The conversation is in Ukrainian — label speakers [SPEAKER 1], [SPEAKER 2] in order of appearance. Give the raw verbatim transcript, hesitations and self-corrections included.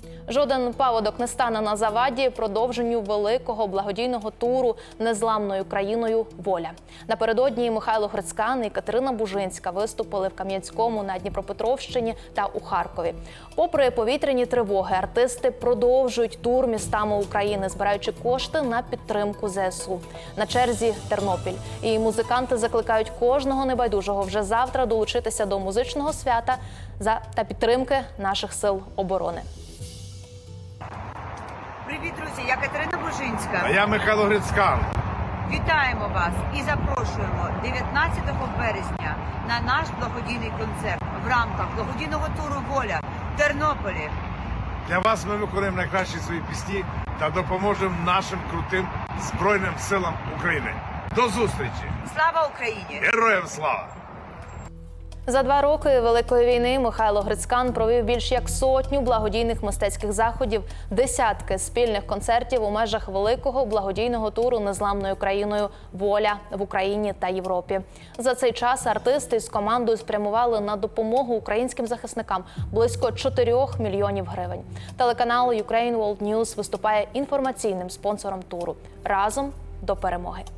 [SPEAKER 1] Жоден паводок не стане на заваді продовженню великого благодійного туру незламною країною «Воля». Напередодні Михайло Грицькан і Катерина Бужинська виступили в Кам'янському, на Дніпропетровщині та у Харкові. Попри повітряні тривоги, артисти продовжують тур містами України, збираючи кошти на підтримку зе ес у. На черзі Тернопіль. І музиканти закликають кожного небайдужого вже завтра долучитися до музичного свята та підтримки наших сил оборони.
[SPEAKER 2] Привіт, друзі! Я Катерина Бужинська.
[SPEAKER 3] А я Михайло Грицькан.
[SPEAKER 2] Вітаємо вас і запрошуємо дев'ятнадцятого березня на наш благодійний концерт в рамках благодійного туру «Воля» в Тернополі.
[SPEAKER 3] Для вас ми виконуємо найкращі свої пісні та допоможемо нашим крутим Збройним силам України. До зустрічі!
[SPEAKER 2] Слава Україні!
[SPEAKER 3] Героям слава!
[SPEAKER 1] За два роки Великої війни Михайло Грицькан провів більш як сотню благодійних мистецьких заходів, десятки спільних концертів у межах великого благодійного туру незламною країною «Воля» в Україні та Європі. За цей час артисти з командою спрямували на допомогу українським захисникам близько чотирьох мільйонів гривень. Телеканал Ukraine World News виступає інформаційним спонсором туру. Разом до перемоги!